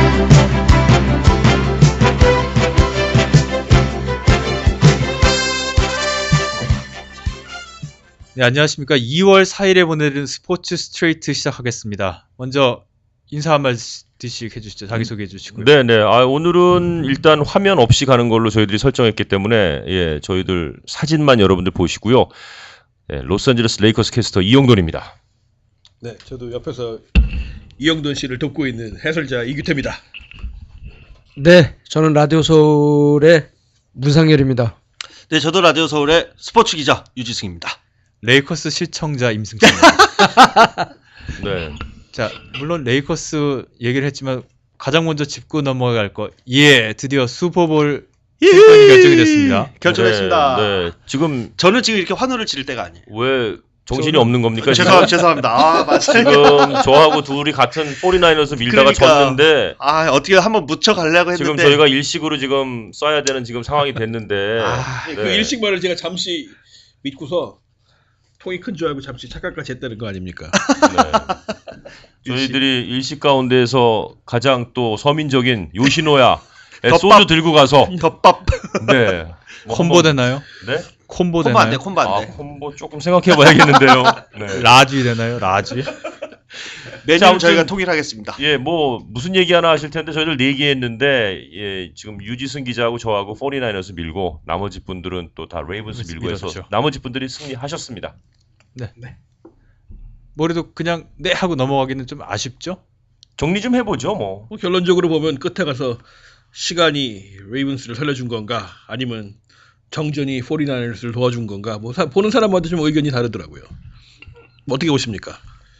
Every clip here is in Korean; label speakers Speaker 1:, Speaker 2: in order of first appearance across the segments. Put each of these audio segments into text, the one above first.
Speaker 1: 네, 안녕하십니까. 2월 4일에 보내드린 스포츠 스트레이트 시작하겠습니다. 먼저 인사 한 마디씩 해주시죠. 자기소개해 주시고요.
Speaker 2: 네네. 오늘은 일단 화면 없이 가는 걸로 저희들이 설정했기 때문에 예, 저희들 사진만 여러분들 보시고요. 예, 로스앤젤레스 레이커스 캐스터 이영돈입니다.
Speaker 3: 네, 저도 옆에서 이영돈 씨를 돕고 있는 해설자 이규태입니다.
Speaker 4: 네, 저는 라디오 서울의 문상열입니다.
Speaker 5: 네, 저도 라디오 서울의 스포츠 기자 유지승입니다.
Speaker 1: 레이커스 시청자 임승찬입니다.
Speaker 2: 네.
Speaker 1: 자, 물론 레이커스 얘기를 했지만 가장 먼저 짚고 넘어갈 거. 드디어 슈퍼볼 승권이 결정이 됐습니다.
Speaker 5: 결정했습니다.
Speaker 2: 네. 지금
Speaker 5: 저는 지금 이렇게 환호를 지를 때가 아니에요.
Speaker 2: 왜 정신이 없는 겁니까?
Speaker 5: 죄송합니다. 맞아요.
Speaker 2: 지금 저하고 둘이 같은 49ers 밀다가 졌는데
Speaker 5: 어떻게 한번 묻혀가려고 했는데
Speaker 2: 지금 저희가 일식으로 지금 써야 되는 지금 상황이 됐는데
Speaker 3: 그 일식말을 제가 잠시 믿고서 통이 큰 줄 알고 잠시 착각까지 했다는 거 아닙니까?
Speaker 2: 네. 저희들이 일식 가운데에서 가장 또 서민적인 요시노야
Speaker 5: 덮밥.
Speaker 2: 소주 들고 가서
Speaker 5: 덮밥.
Speaker 2: 네.
Speaker 1: 콤보 되나요?
Speaker 2: 네?
Speaker 1: 콤보
Speaker 5: 콤보 안 돼,
Speaker 1: 되나요?
Speaker 5: 콤보 안 돼.
Speaker 2: 콤보 조금 생각해 봐야겠는데요. 네.
Speaker 1: 라지 되나요? 라지?
Speaker 5: 메뉴는 저희가 통일하겠습니다.
Speaker 2: 예, 뭐 무슨 얘기 하나 하실 텐데 저희들 얘기했는데 예, 지금 유지승 기자하고 저하고 49ers 밀고 나머지 분들은 또 다 레이븐스 밀고 해서
Speaker 1: 밀었죠.
Speaker 2: 나머지 분들이 승리하셨습니다.
Speaker 1: 네. 뭐래도 그냥 네 하고 넘어가기는 좀 아쉽죠?
Speaker 2: 정리 좀 해보죠, 뭐.
Speaker 3: 뭐 결론적으로 보면 끝에 가서 시간이 레이븐스를 살려준 건가 아니면 정전이 49ers를 도와준 건가 뭐 보는 사람마다 좀 의견이 다르더라고요. 뭐 어떻게 보십니까?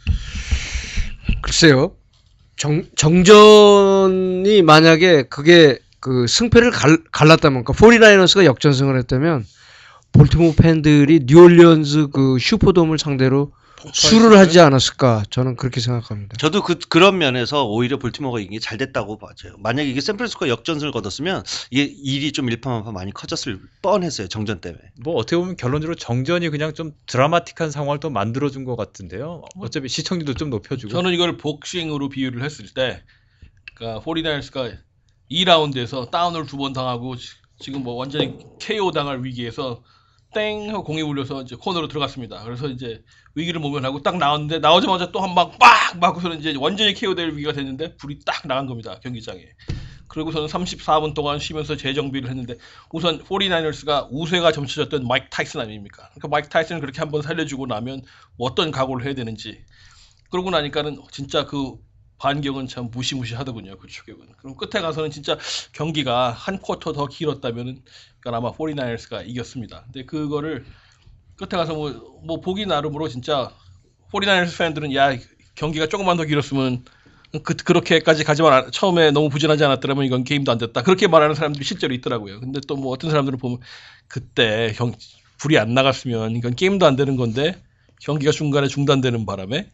Speaker 4: 글쎄요. 정전이 만약에 그게 그 승패를 갈랐다면, 그러니까 49ers가 역전승을 했다면 볼티모어 팬들이 뉴올리언즈 그 슈퍼돔을 상대로 수를 하지 않았을까, 저는 그렇게 생각합니다.
Speaker 5: 저도 그런 면에서 오히려 볼티모어가 이게 잘 됐다고 봐요. 만약에 이게 샌프란시스코가 역전승을 거뒀으면 이게 일이 좀 일파만파 많이 커졌을 뻔했어요. 정전 때문에.
Speaker 1: 뭐 어떻게 보면 결론적으로 정전이 그냥 좀 드라마틱한 상황을 또 만들어준 것 같은데요. 어차피 시청률도 좀 높여주고.
Speaker 3: 저는 이걸 복싱으로 비유를 했을 때, 그러니까 49ers가 2라운드에서 다운을 2번 당하고 지금 뭐 완전히 KO 당할 위기에서 땡 하고 공이 울려서 이제 코너로 들어갔습니다. 그래서 이제 위기를 모면하고 딱 나왔는데 나오자마자 또 한 방 빡 맞고서는 이제 완전히 KO될 위기가 됐는데 불이 딱 나간 겁니다. 경기장에. 그리고서는 34분 동안 쉬면서 재정비를 했는데 우선 49ers가 우세가 점쳐졌던 마이크 타이슨 아닙니까? 그러니까 마이크 타이슨을 그렇게 한번 살려주고 나면 뭐 어떤 각오를 해야 되는지. 그러고 나니까는 진짜 그 반격은 참 무시무시하더군요. 그 추격은. 그럼 끝에 가서는 진짜 경기가 한 쿼터 더 길었다면은 그러니까 아마 49ers가 이겼습니다. 근데 그거를 끝에 가서 뭐 보기 나름으로 진짜 49ers 팬들은 야 경기가 조금만 더 길었으면 그렇게까지 가지만 처음에 너무 부진하지 않았더라면 이건 게임도 안 됐다. 그렇게 말하는 사람들이 실제로 있더라고요. 근데 또 뭐 어떤 사람들은 보면 그때 불이 안 나갔으면 이건 게임도 안 되는 건데 경기가 중간에 중단되는 바람에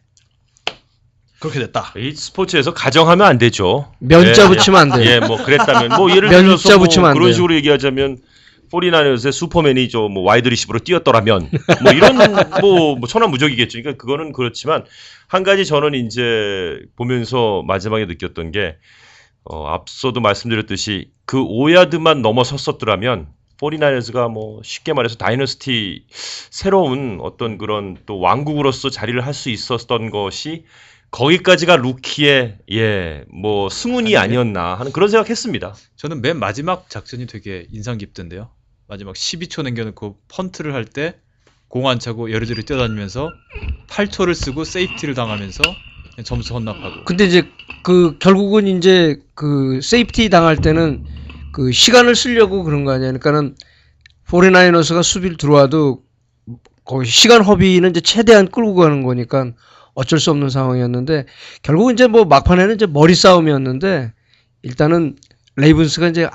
Speaker 3: 그렇게 됐다.
Speaker 2: 이 스포츠에서 가정하면 안 되죠.
Speaker 4: 면자 붙이면 안 돼요.
Speaker 2: 예, 뭐 그랬다면 뭐 예를
Speaker 4: 면자
Speaker 2: 들어서 뭐
Speaker 4: 붙이면 안
Speaker 2: 그런
Speaker 4: 돼요.
Speaker 2: 식으로 얘기하자면 49ers의 슈퍼맨이 뭐 와이드 리시브로 뛰었더라면 뭐 이런 뭐 천하무적이겠죠. 그러니까 그거는 그렇지만 한 가지 저는 이제 보면서 마지막에 느꼈던 게 앞서도 말씀드렸듯이 그 5야드만 넘어섰었더라면 49ers가 뭐 쉽게 말해서 다이너스티 새로운 어떤 그런 또 왕국으로서 자리를 할 수 있었던 것이 거기까지가 루키의 뭐 승운이 아니었나 하는 그런 생각했습니다.
Speaker 1: 저는 맨 마지막 작전이 되게 인상 깊던데요. 마지막 12초 남겨놓고 펀트를 할 때 공 안 차고 여리저리 뛰어다니면서 8초를 쓰고 세이프티를 당하면서 그냥 점수 헌납하고.
Speaker 4: 근데 이제 그 결국은 이제 그 세이프티 당할 때는 그 시간을 쓰려고 그런 거 아니야. 그러니까는 49ers가 수비를 들어와도 거기 시간 허비는 이제 최대한 끌고 가는 거니까 어쩔 수 없는 상황이었는데 결국은 이제 뭐 막판에는 이제 머리 싸움이었는데 일단은 레이븐스가 이제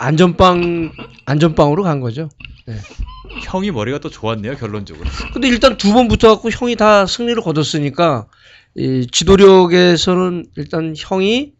Speaker 4: 안전빵으로 간 거죠. 네.
Speaker 1: 형이 머리가 또 좋았네요, 결론적으로.
Speaker 4: 근데 일단 2번 붙어갖고 형이 다 승리를 거뒀으니까 이 지도력에서는 일단 형이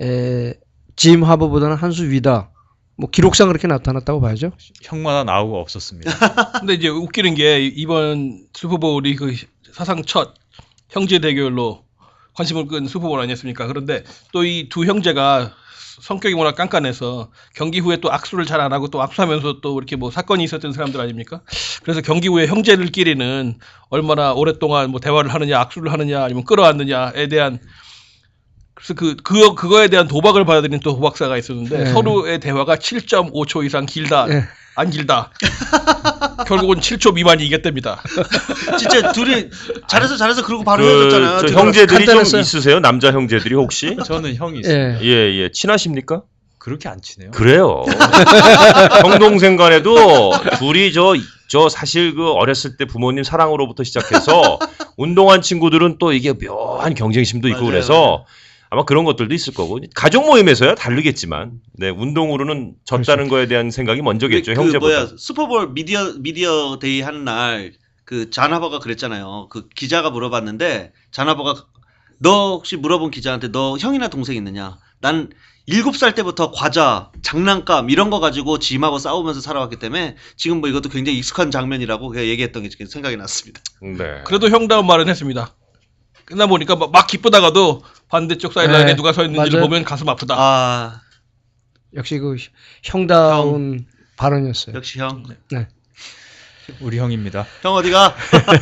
Speaker 4: 짐 하버보다는 한 수 위다. 뭐 기록상 그렇게 나타났다고 봐야죠.
Speaker 1: 형마다 나오고 없었습니다.
Speaker 3: 근데 이제 웃기는 게 이번 슈퍼볼이 그 사상 첫 형제 대결로 관심을 끈 슈퍼볼 아니었습니까? 그런데 또 이 두 형제가 성격이 워낙 깐깐해서 경기 후에 또 악수를 잘 안 하고 또 악수하면서 또 이렇게 뭐 사건이 있었던 사람들 아닙니까? 그래서 경기 후에 형제들끼리는 얼마나 오랫동안 뭐 대화를 하느냐, 악수를 하느냐, 아니면 끌어안느냐에 대한 그래서 그거에 대한 도박을 받아들인 또 도박사가 있었는데
Speaker 4: 네.
Speaker 3: 서로의 대화가 7.5초 이상 길다.
Speaker 4: 네.
Speaker 3: 안 길다. 결국은 7초 미만이 이겼답니다.
Speaker 5: 진짜 둘이 잘해서 그러고 바로 헤어졌잖아요.
Speaker 2: 저
Speaker 5: 둘이.
Speaker 2: 형제들이 좀
Speaker 4: 간단했어요.
Speaker 2: 있으세요? 남자 형제들이 혹시?
Speaker 1: 저는 형이 있어요.
Speaker 4: 예.
Speaker 2: 예. 친하십니까?
Speaker 1: 그렇게 안 치네요.
Speaker 2: 그래요. 형 동생 간에도 둘이 저 사실 그 어렸을 때 부모님 사랑으로부터 시작해서 운동한 친구들은 또 이게 묘한 경쟁심도 있고
Speaker 5: 맞아요.
Speaker 2: 그래서 아마 그런 것들도 있을 거고 가족 모임에서야 다르겠지만 네 운동으로는 졌다는 거에 대한 생각이 먼저겠죠
Speaker 5: 그
Speaker 2: 형제보다.
Speaker 5: 뭐야 슈퍼볼 미디어 데이 하는 날 그 잔하버가 그랬잖아요. 그 기자가 물어봤는데 잔하버가 너 혹시 물어본 기자한테 너 형이나 동생 있느냐? 난 7살 때부터 과자, 장난감 이런 거 가지고 짐하고 싸우면서 살아왔기 때문에 지금 뭐 이것도 굉장히 익숙한 장면이라고 그냥 얘기했던 게 생각이 났습니다.
Speaker 2: 네.
Speaker 3: 그래도 형다운 말은 했습니다. 끝나 보니까 막 기쁘다가도 반대쪽 사이드라인에
Speaker 4: 네,
Speaker 3: 누가 서 있는지를
Speaker 4: 맞아요.
Speaker 3: 보면 가슴 아프다.
Speaker 5: 아
Speaker 4: 역시 그 형다운 발언이었어요.
Speaker 5: 역시 형.
Speaker 1: 우리 형입니다.
Speaker 5: 형 어디가?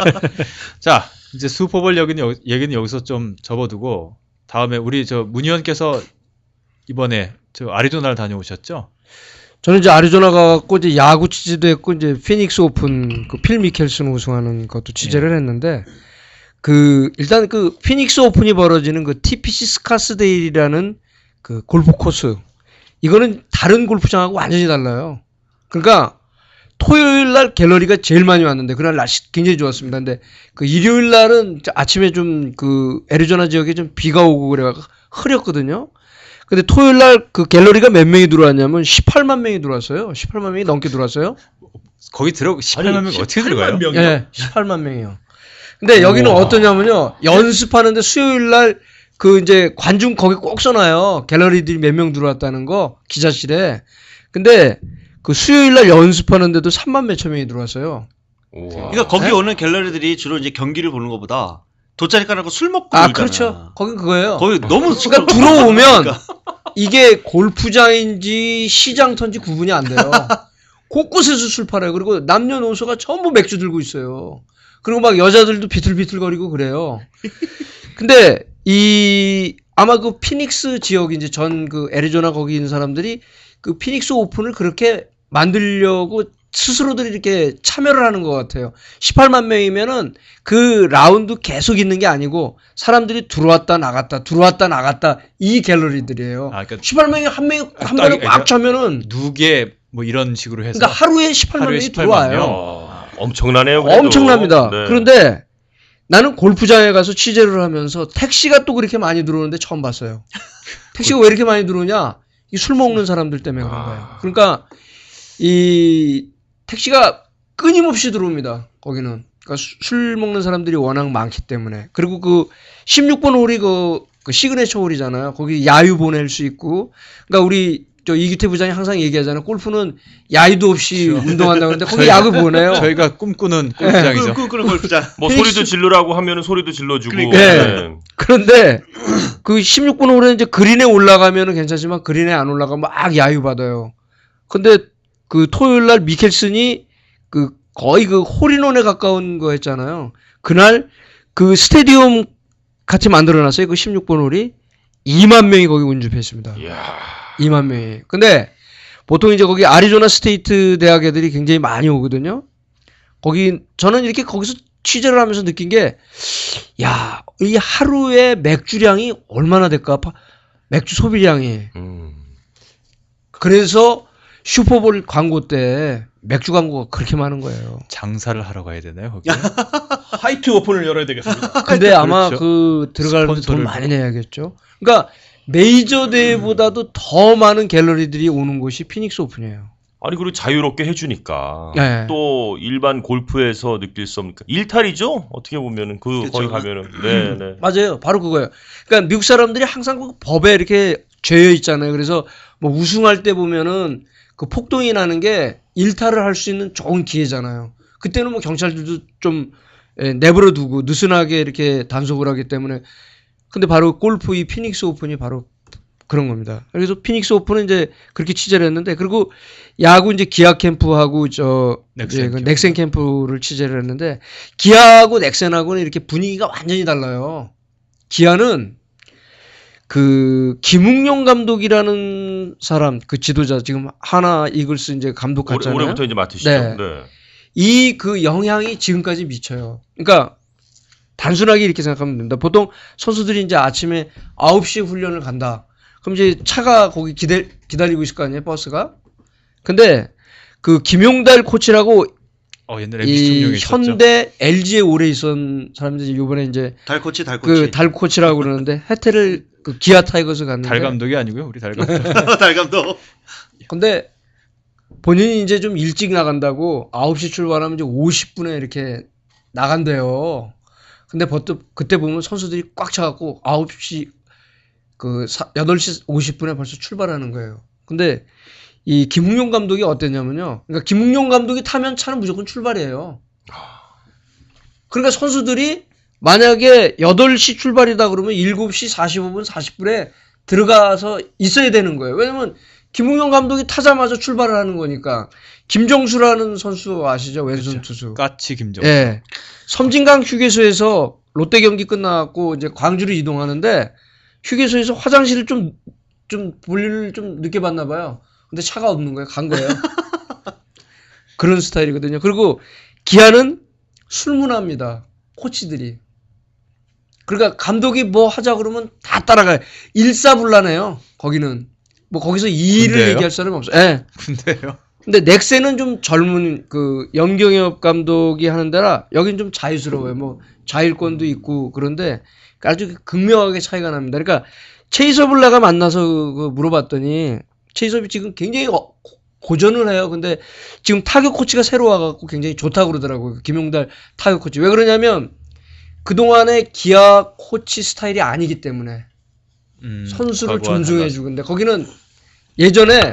Speaker 1: 자, 이제 슈퍼볼 얘기는 여기서 좀 접어두고 다음에 우리 저 문의원께서 이번에 저 아리조나를 다녀오셨죠?
Speaker 4: 저는 이제 아리조나 가갖고 이제 야구 취재도 했고 이제 피닉스 오픈 그 필 미켈슨 우승하는 것도 취재를 했는데 그 일단 그 피닉스 오픈이 벌어지는 그 TPC 스카스데일이라는 그 골프 코스 이거는 다른 골프장하고 완전히 달라요. 그러니까 토요일 날 갤러리가 제일 많이 왔는데 그날 날씨 굉장히 좋았습니다. 근데 그 일요일 날은 아침에 좀 그 애리조나 지역에 좀 비가 오고 그래가지고 흐렸거든요. 근데 토요일 날 그 갤러리가 몇 명이 들어왔냐면 18만 명이 들어왔어요. 18만 명이 넘게 들어왔어요.
Speaker 1: 거기 18만 명 어떻게 들어가요?
Speaker 4: 예, 18만 명이요. 근데 여기는 어떠냐면요. 연습하는데 수요일 날 그 이제 관중 거기 꼭 써놔요. 갤러리들이 몇 명 들어왔다는 거 기자실에. 근데 그 수요일 날 연습하는데도 3만 몇천 명이 들어왔어요.
Speaker 2: 우와.
Speaker 5: 그러니까 거기 오는 갤러리들이 주로 이제 경기를 보는 것보다 돗자리 깔아놓고 술 먹고
Speaker 4: 아,
Speaker 5: 놀잖아.
Speaker 4: 그렇죠. 거긴 그거예요.
Speaker 5: 거기 너무
Speaker 4: 그러니까 들어오면 이게 골프장인지 시장터인지 구분이 안 돼요. 곳곳에서 술 팔아요. 그리고 남녀노소가 전부 맥주 들고 있어요. 그리고 막 여자들도 비틀비틀거리고 그래요. 근데 아마 그 피닉스 지역 이제 전 그 애리조나 거기 있는 사람들이 그 피닉스 오픈을 그렇게 만들려고 스스로들이 이렇게 참여를 하는 것 같아요. 18만 명이면은 그 라운드 계속 있는 게 아니고 사람들이 들어왔다 나갔다 이 갤러리들이에요.
Speaker 1: 아, 그러니까
Speaker 4: 18명이 한 번에 꽉 차면은
Speaker 1: 누게 뭐 이런 식으로 해서
Speaker 4: 그러니까 하루에 18만
Speaker 1: 하루에
Speaker 4: 명이
Speaker 1: 18만
Speaker 4: 들어와요.
Speaker 1: 명.
Speaker 2: 엄청나네요. 그래도.
Speaker 4: 엄청납니다.
Speaker 2: 네.
Speaker 4: 그런데 나는 골프장에 가서 취재를 하면서 택시가 또 그렇게 많이 들어오는데 처음 봤어요. 택시가 왜 이렇게 많이 들어오냐? 이 술 먹는 사람들 때문에 그런 거예요. 그러니까 이 택시가 끊임없이 들어옵니다. 거기는. 그러니까 술 먹는 사람들이 워낙 많기 때문에. 그리고 그 16번 홀이 그 시그네처 홀이잖아요. 거기 야유 보낼 수 있고. 그러니까 우리 저 이규태 부장이 항상 얘기하잖아요. 골프는 야유도 없이 운동한다고 하는데 거기 야구 보내요.
Speaker 1: 저희가 꿈꾸는 골프장이죠.
Speaker 5: 그런 골프장.
Speaker 2: 뭐
Speaker 4: 피닉스-
Speaker 2: 소리도 질러라고 하면은 소리도 질러주고.
Speaker 5: 그러니까.
Speaker 2: 네.
Speaker 4: 그런데 그 16번 홀에 이제 그린에 올라가면은 괜찮지만 그린에 안 올라가면 막 야유 받아요. 근데 그 토요일 날 미켈슨이 그 거의 그 홀인원에 가까운 거 했잖아요. 그날 그 스테디움 같이 만들어 놨어요. 그 16번 홀이 2만 명이 거기 운집했습니다.
Speaker 2: 이야.
Speaker 4: 2만 명이. 근데 보통 이제 거기 아리조나 스테이트 대학 애들이 굉장히 많이 오거든요. 거기 저는 이렇게 거기서 취재를 하면서 느낀 게 야, 이 하루에 맥주량이 얼마나 될까? 맥주 소비량이. 그래서 슈퍼볼 광고 때 맥주 광고가 그렇게 많은 거예요.
Speaker 1: 장사를 하러 가야 되나요, 거기?
Speaker 3: 화이트 오픈을 열어야 되겠습니다.
Speaker 4: 근데 아마
Speaker 1: 그렇죠.
Speaker 4: 그 들어가려면 돈
Speaker 1: 스폰서를
Speaker 4: 많이 내야겠죠. 그러니까 메이저 대회보다도 더 많은 갤러리들이 오는 곳이 피닉스 오픈이에요.
Speaker 2: 아니 그리고 자유롭게 해주니까
Speaker 4: 네.
Speaker 2: 또 일반 골프에서 느낄 수 없는 일탈이죠. 어떻게 보면은
Speaker 5: 그렇죠.
Speaker 2: 거기 가면은 네네.
Speaker 4: 맞아요. 바로 그거예요. 그러니까 미국 사람들이 항상 그 법에 이렇게 죄여 있잖아요. 그래서 뭐 우승할 때 보면은 그 폭동이 나는 게 일탈을 할 수 있는 좋은 기회잖아요. 그때는 뭐 경찰들도 좀 내버려 두고 느슨하게 이렇게 단속을 하기 때문에. 근데 바로 골프 이 피닉스 오픈이 바로 그런 겁니다. 그래서 피닉스 오픈은 이제 그렇게 취재를 했는데, 그리고 야구 이제 기아 캠프하고
Speaker 1: 넥센 캠프.
Speaker 4: 넥센 캠프를 취재를 했는데, 기아하고 넥센하고는 이렇게 분위기가 완전히 달라요. 기아는 그 김웅용 감독이라는 사람, 그 지도자, 지금 하나 이글스 이제 감독 같잖아요.
Speaker 2: 올해부터 이제 맡으시죠.
Speaker 4: 네.
Speaker 2: 네.
Speaker 4: 이 그 영향이 지금까지 미쳐요. 그러니까 단순하게 이렇게 생각하면 됩니다. 보통 선수들이 이제 아침에 9시에 훈련을 간다. 그럼 이제 차가 거기 기다리고 있을 거 아니에요, 버스가? 근데 그 김용달 코치라고
Speaker 1: 옛날에 MBC 청룡에
Speaker 4: 이
Speaker 1: 있었죠.
Speaker 4: 현대 LG에 오래 있었던 사람들이 이번에 이제
Speaker 5: 달코치.
Speaker 4: 그 달 코치라고 그러는데 혜태를 그 기아 타이거스 갔는데,
Speaker 1: 달 감독이 아니고요, 우리 달 감독.
Speaker 5: 달 감독.
Speaker 4: 근데 본인이 이제 좀 일찍 나간다고 9시 출발하면 이제 50분에 이렇게 나간대요. 근데 그때 보면 선수들이 꽉 차갖고 9시 8시 50분에 벌써 출발하는 거예요. 근데 이 김웅용 감독이 어땠냐면요. 그러니까 김웅용 감독이 타면 차는 무조건 출발이에요. 그러니까 선수들이 만약에 8시 출발이다 그러면 7시 45분 40분에 들어가서 있어야 되는 거예요. 왜냐면 김웅용 감독이 타자마자 출발을 하는 거니까. 김정수라는 선수 아시죠? 왼손
Speaker 1: 그렇죠.
Speaker 4: 투수.
Speaker 1: 까치 김정수.
Speaker 4: 예. 섬진강 휴게소에서 롯데 경기 끝나고 이제 광주로 이동하는데 휴게소에서 화장실을 좀 볼일을 좀 늦게 봤나 봐요. 근데 차가 없는 거예요. 간 거예요. 그런 스타일이거든요. 그리고 기아는 술문화입니다. 코치들이. 그러니까 감독이 뭐 하자 그러면 다 따라가요. 일사불란해요. 거기는. 뭐 거기서 이의를
Speaker 1: 군대예요?
Speaker 4: 얘기할 사람이 없어요. 예.
Speaker 1: 근데요.
Speaker 4: 근데 넥센은 좀 젊은 그 염경엽 감독이 하는 데라 여긴 좀 자유스러워요. 뭐 자율권도 있고 그런데 아주 극명하게 차이가 납니다. 그러니까 체이섭을 내가 만나서 그 물어봤더니 체이섭이 지금 굉장히 고전을 해요. 근데 지금 타격 코치가 새로 와갖고 굉장히 좋다고 그러더라고요. 김용달 타격 코치. 왜 그러냐면 그동안의 기아 코치 스타일이 아니기 때문에 선수를
Speaker 1: 과거와
Speaker 4: 존중해주고. 근데 거기는 예전에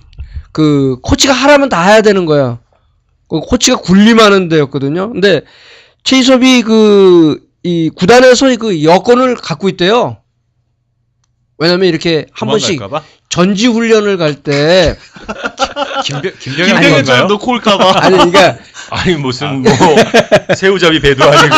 Speaker 4: 그 코치가 하라면 다 해야 되는 거야. 그 코치가 군림하는 데였거든요. 근데 최이섭이 이 구단에서 그 여권을 갖고 있대요. 왜냐면 이렇게 한 번씩
Speaker 1: 도망갈까봐?
Speaker 4: 전지 훈련을 갈 때
Speaker 1: 김병현
Speaker 5: 김병현처럼
Speaker 1: 건가요?
Speaker 5: 놓고 올까봐.
Speaker 4: 아니 그러니까
Speaker 2: 아니 무슨 뭐 새우잡이 배도 아니고.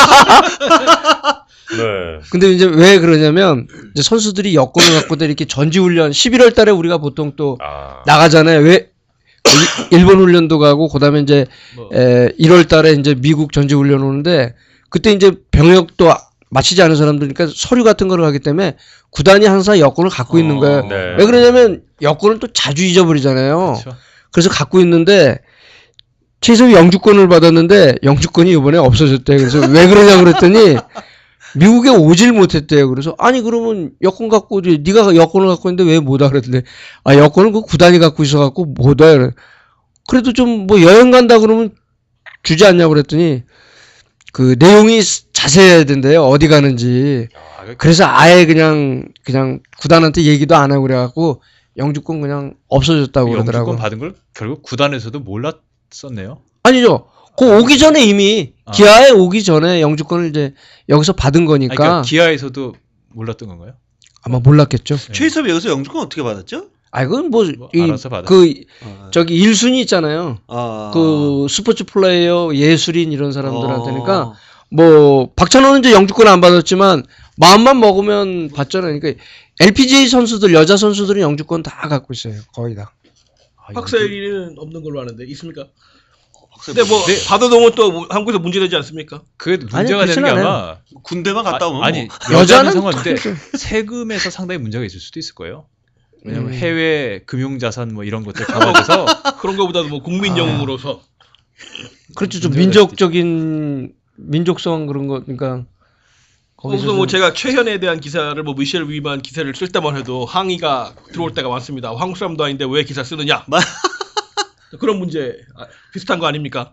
Speaker 2: 네.
Speaker 4: 근데 이제 왜 그러냐면 이제 선수들이 여권을 갖고 이렇게 전지 훈련 11월 달에 우리가 보통 또 나가잖아요. 왜 일본 훈련도 가고 그다음에 이제
Speaker 1: 뭐.
Speaker 4: 1월 달에 이제 미국 전지 훈련 오는데 그때 이제 병역도 마치지 않은 사람들이니까 서류 같은 거를 하기 때문에 구단이 항상 여권을 갖고 있는 거예요.
Speaker 2: 네.
Speaker 4: 왜 그러냐면 여권을 또 자주 잊어버리잖아요.
Speaker 1: 그렇죠.
Speaker 4: 그래서 갖고 있는데 최이섭이 영주권을 받았는데 영주권이 이번에 없어졌대. 그래서 왜 그러냐 그랬더니 미국에 오질 못했대요. 그래서 아니 그러면 여권 갖고 네가 여권을 갖고 있는데 왜 못 와 그랬는데 여권은 그 구단이 갖고 있어갖고 못 와. 그래도 좀 뭐 여행 간다 그러면 주지 않냐고 그랬더니 그 내용이 자세해야 된대요. 어디 가는지. 그래서 아예 그냥 구단한테 얘기도 안 하고 그래갖고 영주권 그냥 없어졌다고 그러더라고.
Speaker 1: 영주권 받은 걸 결국 구단에서도 몰랐었네요.
Speaker 4: 아니죠. 그 오기 전에 이미 기아에 오기 전에 영주권을 이제 여기서 받은 거니까.
Speaker 1: 그러니까 기아에서도 몰랐던 건가요?
Speaker 4: 아마 몰랐겠죠.
Speaker 5: 최희섭이 여기서 영주권 어떻게 받았죠?
Speaker 4: 그건 뭐
Speaker 1: 알아서 받았.
Speaker 4: 저기 1순위 있잖아요.
Speaker 5: 아.
Speaker 4: 그 스포츠 플레이어 예술인 이런 사람들한테니까 뭐 박찬호는 이제 영주권 안 받았지만 마음만 먹으면 받잖아요. 그러니까 LPGA 선수들 여자 선수들은 영주권 다 갖고 있어요. 거의 다.
Speaker 3: 박사일이는 없는 걸로 아는데 있습니까? 근데 뭐 받아놓으면 또 한국에서 문제되지 않습니까?
Speaker 1: 그게 문제가 되는 게 아마
Speaker 5: 군대만 갔다 오면
Speaker 1: 아니
Speaker 5: 뭐.
Speaker 1: 여자는 상관인데 세금에서 상당히 문제가 있을 수도 있을 거예요. 왜냐면 해외 금융자산 뭐 이런 것들 감안해서
Speaker 3: 그런 거보다도 뭐 국민 영웅으로서
Speaker 4: 그렇죠. 좀 민족적인 민족성 그런 거 그러니까
Speaker 3: 거기서 뭐 제가 최현에 대한 기사를 뭐 미셸 위만 기사를 쓸 때만 해도 항의가 들어올 때가 많습니다. 한국 사람도 아닌데 왜 기사 쓰느냐? 그런 문제 비슷한 거 아닙니까?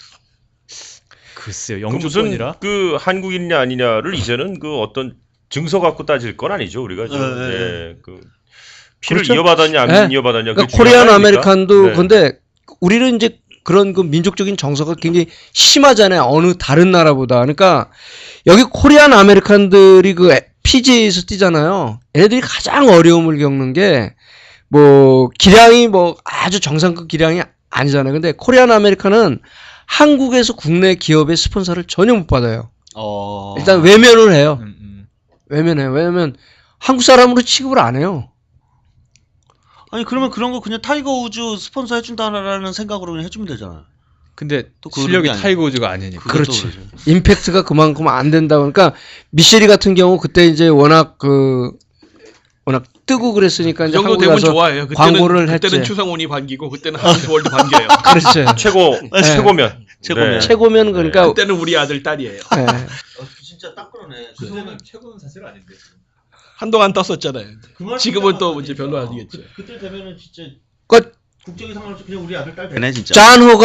Speaker 1: 글쎄요.
Speaker 2: 무슨
Speaker 1: 영주권이라
Speaker 2: 그 한국인이냐 아니냐를 이제는 그 어떤 증서 갖고 따질 건 아니죠 우리가 지금. 그 피를
Speaker 4: 그렇죠?
Speaker 2: 이어받았냐 안
Speaker 4: 네.
Speaker 2: 이어받았냐.
Speaker 4: 그러니까
Speaker 2: 그게
Speaker 4: 코리안
Speaker 2: 중요한 거
Speaker 4: 아메리칸도
Speaker 2: 아닙니까?
Speaker 4: 근데 우리는 이제 그런 그 민족적인 정서가 굉장히 심하잖아요. 어느 다른 나라보다. 그러니까 여기 코리안 아메리칸들이 그 PGA에서 뛰잖아요. 얘네들이 가장 어려움을 겪는 게 뭐 기량이 뭐 아주 정상급 기량이 아니잖아요. 근데 코리안 아메리카는 한국에서 국내 기업의 스폰서를 전혀 못 받아요. 일단 외면을 해요. 외면해요. 왜냐면 한국 사람으로 취급을 안 해요.
Speaker 5: 아니 그러면 그런 거 그냥 타이거 우즈 스폰서 해준다라는 생각으로 그냥 해주면 되잖아요.
Speaker 1: 근데
Speaker 5: 또 그
Speaker 1: 실력이
Speaker 5: 의미가
Speaker 1: 타이거 우즈가 아니니까.
Speaker 4: 그렇지.
Speaker 5: 그것도
Speaker 4: 임팩트가 그만큼 안 된다. 그러니까 미쉐리 같은 경우 그때 이제 워낙 뜨고 그랬으니까
Speaker 3: 그
Speaker 4: 이제
Speaker 3: 정도
Speaker 4: 한국에
Speaker 3: 되면
Speaker 4: 가서
Speaker 3: 좋아해요.
Speaker 4: 그때는
Speaker 3: 그때는 추상훈이 반기고 그때는 한스월드 반겨요.
Speaker 4: 그렇죠.
Speaker 2: 최고면.
Speaker 5: 최고면.
Speaker 2: 네.
Speaker 4: 최고면 그러니까
Speaker 3: 그때는 우리 아들 딸이에요.
Speaker 4: 네.
Speaker 5: 진짜 딱 그러네.
Speaker 1: 최고는 사실 아닌데.
Speaker 3: 한동안 떴었잖아요. 지금은 또 이제 별로 아니겠죠.
Speaker 5: 그때 되면은 진짜
Speaker 4: 그
Speaker 5: 국적이 상관없이 그냥 우리 아들 딸 되네 진짜.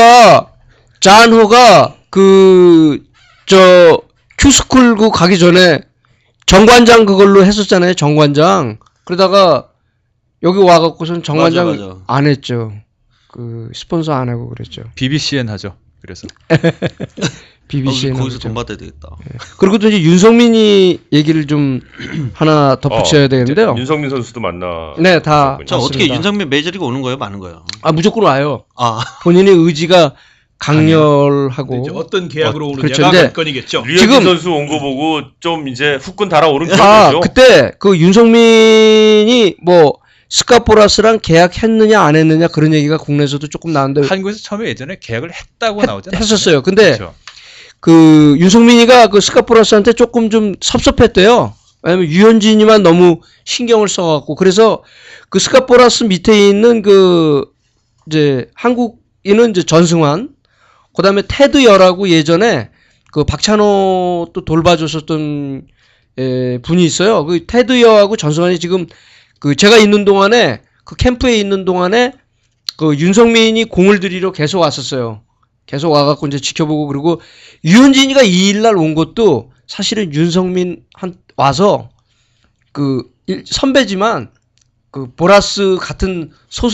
Speaker 4: 잔호가 큐스쿨 그 가기 전에 정관장 그걸로 했었잖아요. 정관장. 그러다가 여기 와갖고선 정관장
Speaker 5: 맞아.
Speaker 4: 안 했죠. 그 스폰서 안 하고 그랬죠.
Speaker 1: BBCN 하죠. 그래서
Speaker 4: BBC는
Speaker 5: 거기서 돈 받아야 되겠다.
Speaker 4: 그리고 또 이제 윤성민이 얘기를 좀 하나 덧붙여야 되는데요.
Speaker 2: 윤성민 선수도 만나.
Speaker 4: 네, 다.
Speaker 5: 자 어떻게
Speaker 4: 맞습니다.
Speaker 5: 윤상민 메이저리그 오는 거예요, 마는 거예요?
Speaker 4: 무조건 와요.
Speaker 5: 아
Speaker 4: 본인의 의지가 강렬하고.
Speaker 3: 이제 어떤 계약으로 오느냐가
Speaker 4: 그렇죠. 근데
Speaker 3: 관건이겠죠.
Speaker 2: 류현진
Speaker 4: 지금-
Speaker 2: 선수 온 거 보고 좀 이제 후끈 달아오른 기분이죠.
Speaker 4: 그때 그 윤성민이 뭐 스카포라스랑 계약했느냐 안 했느냐 그런 얘기가 국내에서도 조금 나왔는데
Speaker 1: 한국에서 처음에 예전에 계약을 했다고 나오지 않았어요?
Speaker 4: 했었어요. 근데
Speaker 1: 그렇죠.
Speaker 4: 그 윤성민이가 그 스카포라스한테 조금 좀 섭섭했대요. 왜냐면 유현진이만 너무 신경을 써갖고 그래서 그 스카포라스 밑에 있는 그 이제 한국인은 이제 전승환, 그다음에 테드 여라고 예전에 그 박찬호 또 돌봐줬었던 분이 있어요. 그 테드 여하고 전승환이 지금 그 제가 있는 동안에 그 캠프에 있는 동안에 그 윤성민이 공을 들이러 계속 왔었어요. 계속 와갖고 이제 지켜보고 그리고 유현진이가 2일날 온 것도 사실은 윤성민 와서 그 선배지만 그 보라스 같은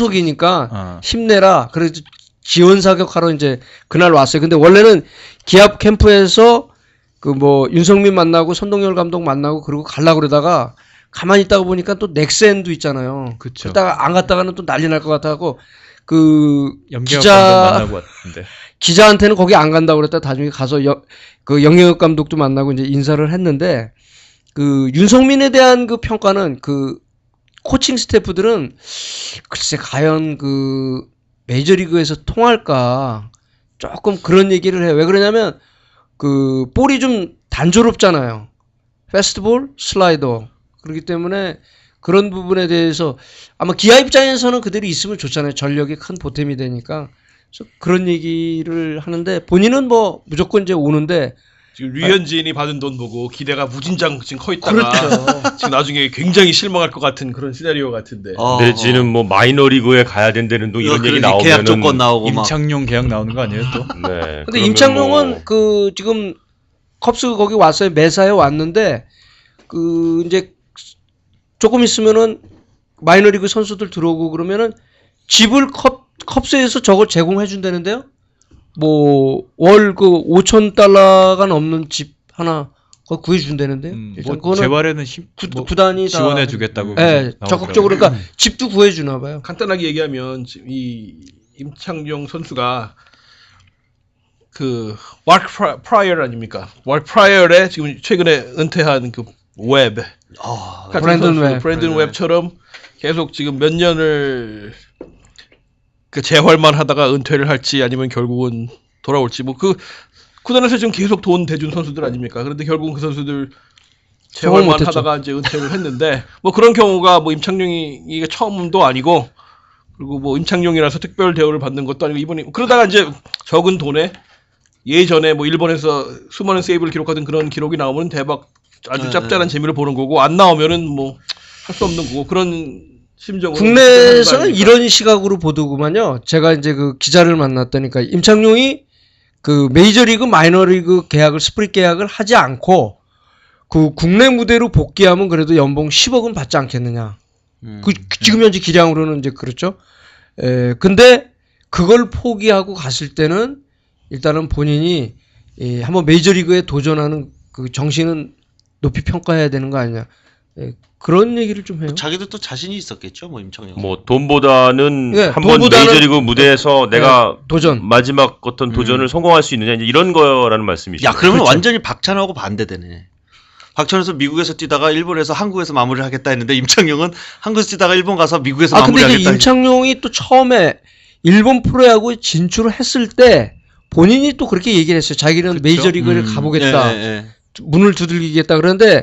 Speaker 4: 소속이니까 힘내라. 그래서 지원 사격하러 이제 그날 왔어요. 근데 원래는 기합 캠프에서 그 뭐 윤성민 만나고 선동열 감독 만나고 그러고 가려고 그러다가 가만히 있다가 보니까 또 넥센도 있잖아요.
Speaker 1: 그쵸.
Speaker 4: 그러다가 안 갔다가는 또 난리 날 것 같아갖고 그
Speaker 1: 염기혁
Speaker 4: 기자
Speaker 1: 감독 만나고 왔는데.
Speaker 4: 기자한테는 거기 안 간다고 그랬다 나중에 가서 그 영영혁 감독도 만나고 이제 인사를 했는데 그 윤성민에 대한 그 평가는 그 코칭 스태프들은 글쎄 과연 그 메이저리그에서 통할까 조금 그런 얘기를 해요. 왜 그러냐면 그 볼이 좀 단조롭잖아요. 패스트볼, 슬라이더. 그렇기 때문에 그런 부분에 대해서 아마 기아 입장에서는 그대로 있으면 좋잖아요. 전력이 큰 보탬이 되니까. 그래서 그런 얘기를 하는데 본인은 뭐 무조건 이제 오는데
Speaker 3: 지금 류현진이 받은 돈 보고 기대가 무진장 지금 커 있다가
Speaker 4: 그렇죠.
Speaker 3: 지금 나중에 굉장히 실망할 것 같은 그런 시나리오 같은데.
Speaker 2: 내지는 뭐 마이너리그에 가야 된다는 둥 이런 얘기 나오면은
Speaker 5: 계약 조건 나오고 막.
Speaker 1: 임창용 계약 나오는 거 아니에요 또?
Speaker 2: 네.
Speaker 4: 근데 임창용은 그 지금 컵스 거기 왔어요. 메사에 왔는데 그 이제 조금 있으면은 마이너리그 선수들 들어오고 그러면은 집을 컵스에서 저걸 제공해 준다는데요. 뭐 월 그 5,000달러가 넘는 집 하나 그거 구해 준다는데요. 일단
Speaker 1: 뭐 재활에는
Speaker 4: 구단이 다
Speaker 1: 지원해 주겠다고.
Speaker 4: 네, 적극적으로 그러니까 집도 구해 주나 봐요.
Speaker 3: 간단하게 얘기하면 지금 이 임창용 선수가 그 마크 프라이어 아닙니까? 마크 프라이어의 지금 최근에 은퇴한 그 웹. 브랜든 웹처럼 계속 지금 몇 년을 그 재활만 하다가 은퇴를 할지 아니면 결국은 돌아올지 뭐 그 구단에서 지금 계속 돈 대준 선수들 아닙니까? 그런데 결국은 그 선수들 재활만 하다가 이제 은퇴를 했는데 뭐 그런 경우가 뭐 임창용이 이게 처음도 아니고 그리고 뭐 임창용이라서 특별 대우를 받는 것도 아니고 이번에 그러다가 이제 적은 돈에 예전에 뭐 일본에서 수많은 세이브를 기록하던 그런 기록이 나오면 대박 아주 짭짤한 재미를 보는 거고 안 나오면은 뭐 할 수 없는 거고 그런 심정으로
Speaker 4: 국내에서는 이런 시각으로 보더구만요. 제가 이제 그 기자를 만났다니까 임창용이 그 메이저리그 마이너리그 계약을 스프릿 계약을 하지 않고 그 국내 무대로 복귀하면 그래도 연봉 10억은 받지 않겠느냐. 지금 현재 기량으로는 이제 그렇죠. 근데 그걸 포기하고 갔을 때는 일단은 본인이 한번 메이저리그에 도전하는 그 정신은 높이 평가해야 되는 거 아니냐. 예, 그런 얘기를 좀 해요.
Speaker 5: 자기도 또 자신이 있었겠죠, 뭐 임창용.
Speaker 2: 뭐 돈보다는
Speaker 4: 네,
Speaker 2: 한번
Speaker 4: 돈보다는-
Speaker 2: 메이저리그 무대에서 내가
Speaker 4: 도전.
Speaker 2: 마지막 어떤 도전을 성공할 수 있느냐 이제 이런 거라는 말씀이시죠.
Speaker 5: 야, 그러면
Speaker 4: 그렇죠.
Speaker 5: 완전히 박찬호하고 반대되네. 박찬호는 미국에서 뛰다가 일본에서 한국에서 마무리를 하겠다 했는데 임창용은 한국에서 뛰다가 일본 가서 미국에서
Speaker 4: 아 근데 이제
Speaker 5: 마무리하겠다.
Speaker 4: 임창용이 또 처음에 일본 프로야구에 진출을 했을 때 본인이 또 그렇게 얘기를 했어요. 자기는
Speaker 1: 그쵸?
Speaker 4: 메이저리그를 가보겠다.
Speaker 5: 예, 예.
Speaker 4: 문을 두들기겠다. 그런데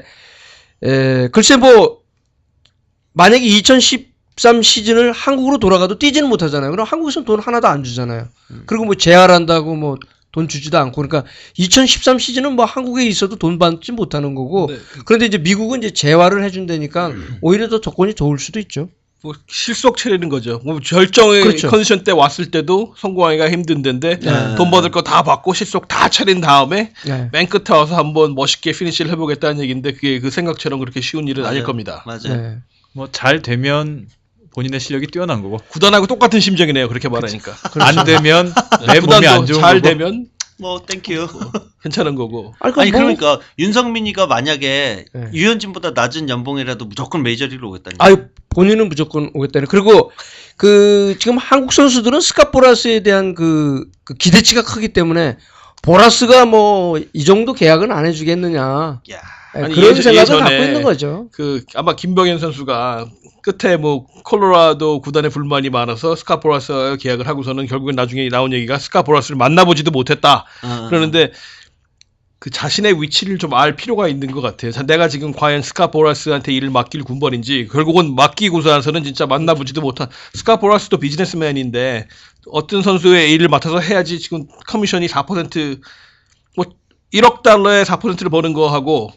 Speaker 4: 글쎄 뭐 만약에 2013 시즌을 한국으로 돌아가도 뛰지는 못하잖아요. 그럼 한국에서는 돈 하나도 안 주잖아요. 그리고 뭐 재활한다고 뭐 돈 주지도 않고 그러니까 2013 시즌은 뭐 한국에 있어도 돈 받지 못하는 거고
Speaker 3: 네.
Speaker 4: 그런데 이제 미국은 이제 재활을 해준다니까 오히려 더 조건이 좋을 수도 있죠.
Speaker 3: 뭐 실속 차리는 거죠. 뭐 절정의
Speaker 4: 그렇죠.
Speaker 3: 컨디션 때 왔을 때도 성공하기가 힘든 데인데
Speaker 5: 네.
Speaker 3: 돈 받을 거 다 받고 실속 다 차린 다음에
Speaker 4: 네.
Speaker 3: 맨 끝에 와서 한번 멋있게 피니시를 해보겠다는 얘기인데 그게 그 생각처럼 그렇게 쉬운 일은 아닐
Speaker 5: 맞아요.
Speaker 3: 겁니다.
Speaker 5: 맞아요.
Speaker 4: 네.
Speaker 1: 뭐 잘 되면 본인의 실력이 뛰어난 거고
Speaker 3: 구단하고 똑같은 심정이네요. 그렇게 말하니까.
Speaker 1: 안 되면 내 몸이 안
Speaker 3: 구단도
Speaker 1: 좋은
Speaker 3: 잘
Speaker 1: 거고
Speaker 3: 되면
Speaker 5: 뭐 땡큐.
Speaker 3: 괜찮은 거고.
Speaker 4: 아니,
Speaker 5: 아니
Speaker 4: 뭐-
Speaker 5: 그러니까 윤성민이가 만약에
Speaker 4: 네.
Speaker 5: 유현진보다 낮은 연봉이라도 무조건 메이저리그로 오겠다니.
Speaker 4: 아유 본인은 무조건 오겠다는. 그리고 그 지금 한국 선수들은 스캇 보라스에 대한 그 기대치가 크기 때문에 보라스가 뭐 이 정도 계약은 안 해주겠느냐.
Speaker 5: 야.
Speaker 4: 예,
Speaker 3: 아니,
Speaker 4: 그런 생각을
Speaker 3: 예전에
Speaker 4: 갖고 있는 거죠.
Speaker 3: 그 아마 김병현 선수가 끝에 뭐 콜로라도 구단에 불만이 많아서 스캇 보라스와 계약을 하고서는 결국엔 나중에 나온 얘기가 스캇 보라스를 만나보지도 못했다. 그러는데 그 자신의 위치를 좀 알 필요가 있는 것 같아요. 내가 지금 과연 스캇 보라스한테 일을 맡길 군번인지 결국은 맡기고 나서는 진짜 만나보지도 못한 스캇 보라스도 비즈니스맨인데 어떤 선수의 일을 맡아서 해야지 지금 커미션이 4% 뭐 1억 달러에 4%를 버는 거하고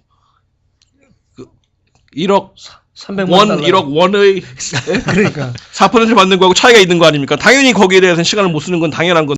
Speaker 3: 그 1억
Speaker 4: 300만
Speaker 3: 1억 원의
Speaker 4: 그러니까
Speaker 3: 4%를 받는 거하고 차이가 있는 거 아닙니까? 당연히 거기에 대해서는 시간을 못 쓰는 건 당연한 건